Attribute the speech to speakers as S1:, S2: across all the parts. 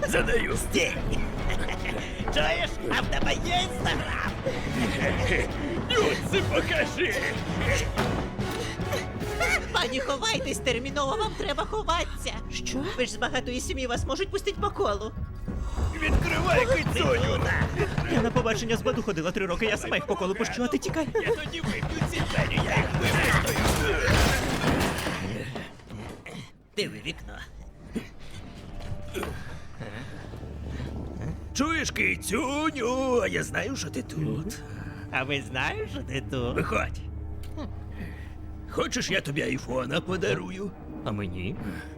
S1: Задаю.
S2: Стій! Чуєш? А в тебе є інстаграм?
S1: Нюци покажи.
S2: Пані, ховайтесь терміново, вам треба ховатися. Що? Ви ж з багатої сім'ї, вас можуть пустити по колу.
S1: Відкривай кицюню.
S3: Я на побачення з Баду ходила 3 роки, я сама їх по колу пущу, а ти тікай.
S1: Я тоді виб'ю ці двері, я їх випустую.
S2: Диви вікно.
S1: Чуєш, кицюню, а я знаю, що ти тут.
S2: А ви знаєш, що ти тут?
S1: Виходь. Хочеш, я тобі айфона подарую?
S3: А мені?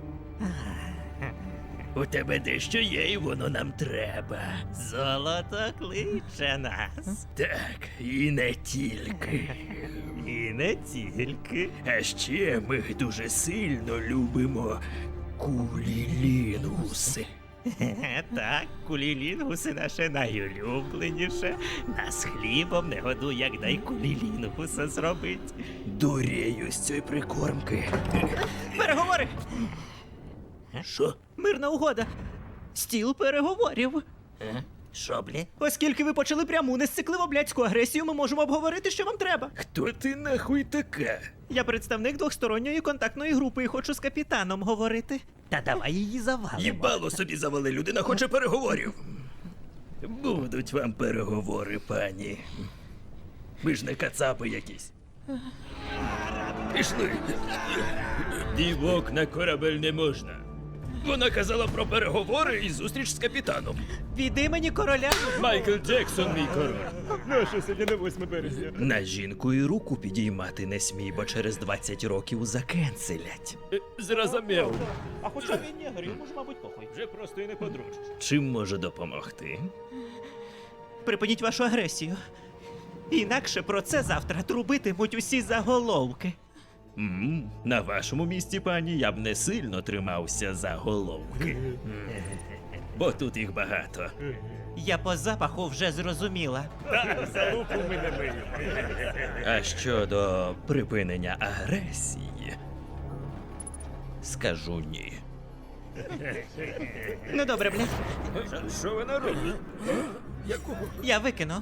S1: У тебе дещо є, і воно нам треба.
S2: Золото кличе нас.
S1: Так, і не тільки.
S2: І не тільки.
S1: А ще ми дуже сильно любимо кулілінгуси.
S2: Так, кулілінгуси наше найулюбленіше. Нас хлібом не годуй, як дай кулілінгуса зробить.
S1: Дурею з цієї прикормки.
S3: Переговори!
S1: Що?
S3: Мирна угода. Стіл переговорів.
S2: Шоблі?
S3: Оскільки ви почали пряму несцикливо блядську агресію, ми можемо обговорити, що вам треба.
S1: Хто ти нахуй така?
S3: Я представник двохсторонньої контактної групи і хочу з капітаном говорити.
S2: Та давай її завалимо.
S1: Їбало собі завали, людина хоче переговорів. Будуть вам переговори, пані. Ви ж не кацапи якісь. Пішли. Дівок на корабель не можна. Вона казала про переговори і зустріч з капітаном.
S3: Від імені короля.
S1: Майкл Джексон, мій король.
S3: Наша сьогодні на 8 березня.
S1: На жінку і руку підіймати не смій, бо через 20 років закенселять. Зрозумів.
S3: А хоча він негр, йому ж, мабуть, похуй.
S1: Вже просто і не подружиш. Чим можу допомогти?
S3: Припиніть вашу агресію. Інакше про це завтра трубитимуть усі заголовки.
S1: На вашому місці, пані, я б не сильно тримався за головки. Бо тут їх багато.
S3: Я по запаху вже зрозуміла.
S1: А щодо припинення агресії, скажу ні.
S3: Ну добре, блядь.
S1: Що вона робить?
S3: Я викину.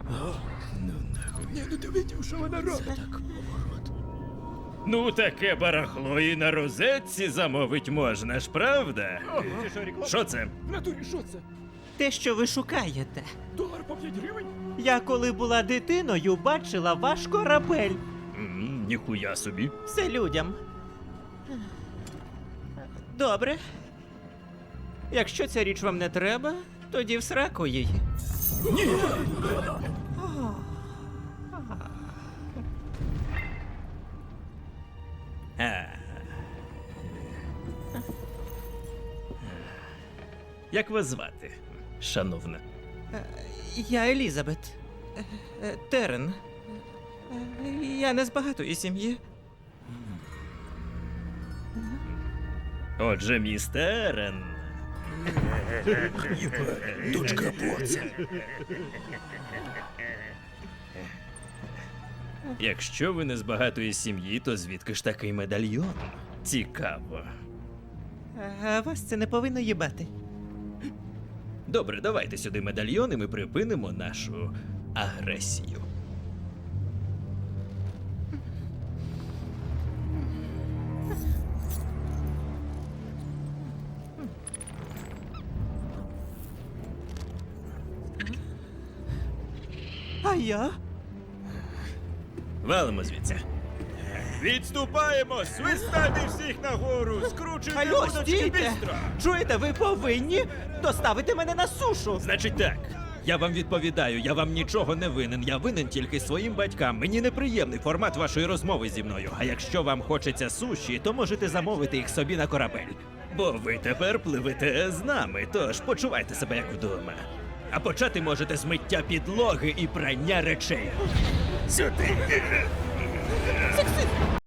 S1: Ну, таке барахло і на розетці замовить можна ж, правда? Що це?
S3: Те, що ви шукаєте.
S1: $1 по 5 гривень?
S3: Я коли була дитиною, бачила ваш корабель.
S1: Ніхуя собі.
S3: Все людям. Добре. Якщо ця річ вам не треба, тоді в сраку її.
S1: Як вас звати, шановна?
S3: Я Елізабет. Терен. Я не з багатої сім'ї.
S1: Отже, містерен. Дочка боця. Якщо ви не з багатої сім'ї, то звідки ж такий медальйон? Цікаво.
S3: А вас це не повинно їбати.
S1: Добре, давайте сюди медальйон, і ми припинимо нашу агресію.
S3: А я?
S1: Валимо звідси. Відступаємо! Свистати всіх нагору! Скручуйте
S3: Алло,
S1: вудочки
S3: стійте!
S1: бістро!
S3: Чуєте, ви повинні доставити мене на сушу.
S1: Значить так, я вам відповідаю, я вам нічого не винен. Я винен тільки своїм батькам. Мені неприємний формат вашої розмови зі мною. А якщо вам хочеться суші, то можете замовити їх собі на корабель. Бо ви тепер пливете з нами, тож почувайте себе як вдома. А почати можете з миття підлоги і прання речей. Сюди!